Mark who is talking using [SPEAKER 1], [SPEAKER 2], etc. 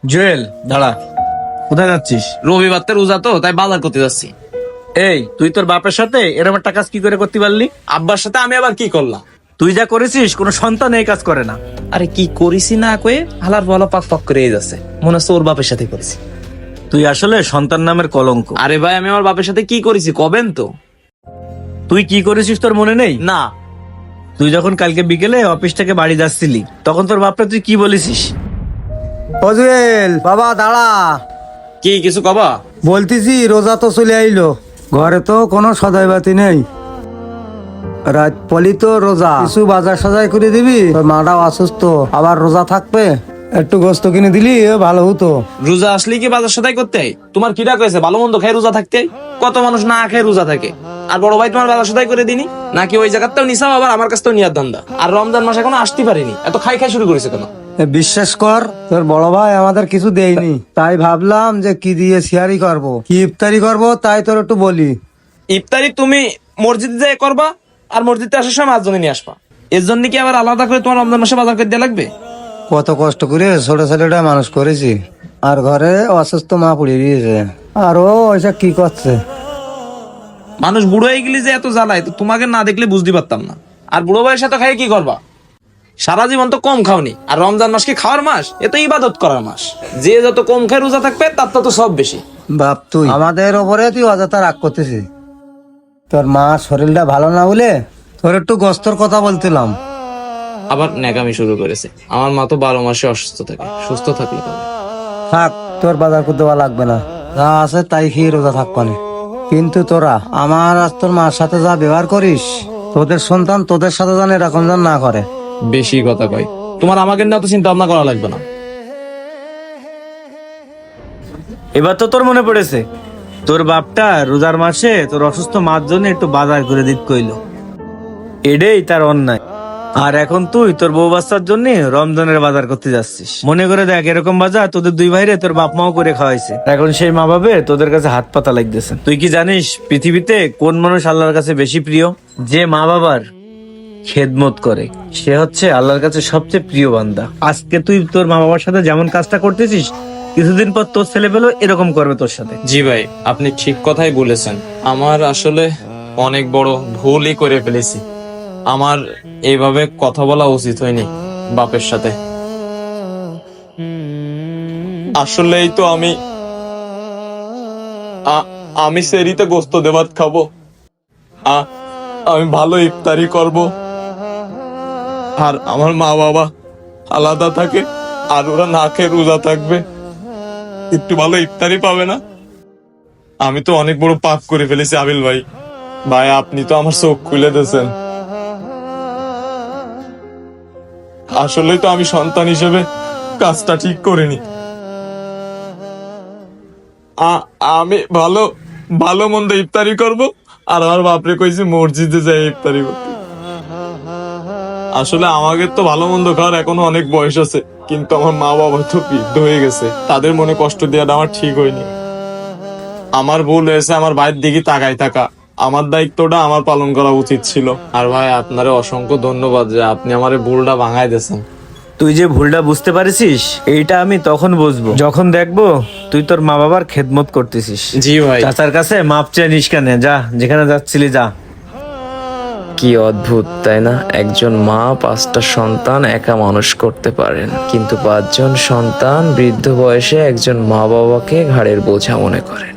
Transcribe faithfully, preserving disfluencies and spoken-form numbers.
[SPEAKER 1] জুয়েল দাঁড়া, কোথায় যাচ্ছিস?
[SPEAKER 2] রবিবার তো রোজা, তো তাই বাজার করতে যাচ্ছি।
[SPEAKER 1] এই তুই তোর বাপের সাথে এরকম একটা কাজ কি করে করতে পারলি?
[SPEAKER 2] আব্বার সাথে আমি আবার কি করলাম?
[SPEAKER 1] তুই যা করেছিস কোনো সন্তান এই কাজ করে না।
[SPEAKER 2] আরে কি করিছি না কয়ে হালার বলা পাক পাক করে যাচ্ছে, মনে হচ্ছে ওর বাপের সাথে করেছি।
[SPEAKER 1] তুই আসলে সন্তান নামের কলঙ্ক।
[SPEAKER 2] আরে ভাই, আমি আমার বাপের সাথে কি করেছি কবেন তো?
[SPEAKER 1] তুই কি করেছিস তোর মনে নেই?
[SPEAKER 2] না।
[SPEAKER 1] তুই যখন কালকে বিকেলে অফিস থেকে বাড়ি যাচ্ছিলি তখন তোর বাপটা তুই কি বলেছিস?
[SPEAKER 3] ও জুয়েল বাবা দাঁড়া,
[SPEAKER 2] কি কিছু কবা?
[SPEAKER 3] বলতেছি রোজা তো চলে আইলো, ঘরে তো কোনো সদাই বাতি নেই, রাত পলি তো রোজা, কিছু বাজার সাজাই করে দিবি, তোর মাটাও অসুস্থ, আবার রোজা থাকবে, একটু গোস্ত কিনে দিলি ভালো হতো।
[SPEAKER 2] রোজা আসলে কি বাজার সদাই করতে হয়? তোমার কিটা কয়েছে ভালো মন্দ খেয়ে রোজা থাকতে হয়? কত মানুষ না খেয়ে রোজা থাকে। আর বড় ভাই তোমার বাজার সদাই করে দিনি নাকি? ওই জায়গাটাও নিসাও, আবার আমার কাছ থেকেও নিয়ার ধান্দা। আর রমজান মাস এখনো আসতে পারিনি, এত খাই খাই শুরু করেছে কেন?
[SPEAKER 3] এ বিশ্বাস কর, তোর বড় ভাই আমাদের কিছু দেয়নি, তাই ভাবলাম যে কি দিয়ে সিয়ারি করব, কি ইফতারি করব, তাই তোর একটু বলি।
[SPEAKER 2] ইফতারি তুমি মসজিদে যেয়ে করবা, আর মসজিদে আসার সময় মাছজনে নিয়ে আসবা। এর জন্য কি আবার আলাদা করে তোমার রমজান মাসে বাজার করে দেওয়া লাগবে?
[SPEAKER 3] কত কষ্ট করে ছোট ছেলেটা মানুষ করেছি, আর ঘরে অসুস্থ মা পড়ে দিয়েছে, আর ও ওইসব কি করছে।
[SPEAKER 2] মানুষ বুড়ো হয়ে গেলে যে এত জ্বালায়, তো তোমাকে না দেখলে বুঝতে পারতাম না। আর বুড়ো বয়সে সাথে খাই কি করবা? সারা জীবন তো কম খাওনি, আর রমজান মাস কি খাওয়ার মাস? এ তো ইবাদত করার মাস। যে যত কম খায় রোজা থাকবে তার তো সব বেশি।
[SPEAKER 3] বাপ তুই আমাদের ওপরে তুই অযথা রাগ করতেছিস, তোর মা শরীরটা ভালো না বলে তোর একটু গস্তর কথা বলছিলাম।
[SPEAKER 2] আবার ন্যাকামি শুরু করেছে। আমার মা তো বারো মাসে অসুস্থ থাকে, সুস্থ থাকলে পাবে।
[SPEAKER 3] থাক, তোর বাজার করতে দেওয়া লাগবে না, যা আছে তাই খেয়ে রোজা থাকবানে। কিন্তু তোরা আমার আর তোর মার সাথে যা ব্যবহার করিস, তোদের সন্তান তোদের সাথে যেন এরকম যেন না করে।
[SPEAKER 2] বেশি কথা কয়। তোমার আমাকে নিয়ে তো চিন্তা ভাবনা করা লাগবে না।
[SPEAKER 1] এবার তো তোর মনে পড়েছে, তোর বাপটা রোজার মাসে তোর অসুস্থ মার জন্য একটু বাজার করে দিত কইলো, এটাই তার অন্যায়। আর এখন তুই তোর বউ বাচ্চার জন্য রমজানের বাজার করতে যাচ্ছিস। মনে করে দেখ, এরকম বাজার তোদের দুই ভাইরে তোর বাপ মাও করে খাওয়াইছে, এখন সেই মা বাবে তোদের কাছে হাত পাতা লাগতেছে। তুই কি জানিস পৃথিবীতে কোন মানুষ আল্লাহর কাছে বেশি প্রিয়? যে মা বাবার খেদমত করে সে হচ্ছে আল্লাহর কাছে সবচেয়ে প্রিয় বান্দা। আজকে তুই তোর মা বাবার সাথে যেমন কাজটা করতেছিস, কিছুদিন পর তোর ছেলে পেলেও এরকম করবে তোর সাথে।
[SPEAKER 2] জি ভাই, আপনি ঠিক কথাই বলেছেন। আমার আসলে অনেক বড় ভুলই করে ফেলেছি। আমার এইভাবে কথা বলা উচিত হয়নি বাপের সাথে। আসলেই তো আমি আ- আমি সেরিতে গোস্ত দেবাত খাবো, আ- আমি ভালো ইফতারি করব, আর আমার মা বাবা আলাদা থাকে, আর ওরা না খেয়ে রোজা থাকবে, একটু ভালো ইফতারি পাবে না। আমি তো অনেক বড় পাপ করে ফেলেছি আবিল ভাই। ভাই আপনি তো আমার চোখ খুলে দিয়েছেন। আসলেই তো আমি সন্তান হিসেবে কাজটা ঠিক করিনি। আ- আমি ভালো ভালো মন্দ ইফতারি করব, আর আমার বাপরে কইছি মসজিদে যাই ইফতারি করতে। আসলে আমাদের তো ভালো মন্দ খাওয়ার এখনো অনেক বয়স আছে, কিন্তু আমার মা বাবা তো বৃদ্ধ হয়ে গেছে, তাদের মনে কষ্ট দেওয়াটা আমার ঠিক হয়নি। আমার ভুল হয়েছে আমার ভাইয়ের দিকে তাকাই থাকা। আমার দায়িত্বটা আমার পালন করা উচিত ছিল। আর ভাই আপনারে অসংখ্য ধন্যবাদ যে আপনি আমার এই ভুলটা ভাঙাই দিয়েছেন।
[SPEAKER 1] তুই যে ভুলটা বুঝতে পারিস, এইটা আমি তখন বুঝবো যখন দেখবো তুই তোর মা বাবার খেদমত করতেছিস।
[SPEAKER 2] জি ভাই।
[SPEAKER 1] চাচার কাছে মাপ চেয়ে নিস কেন? যা, যেখানে যাচ্ছিলি যা।
[SPEAKER 4] কি অদ্ভুত তাই না? একজন মা পাঁচটা সন্তান একা মানুষ করতে পারেন, কিন্তু পাঁচজন সন্তান বৃদ্ধ বয়সে একজন মা বাবাকে ঘাড়ের বোঝা মনে করেন।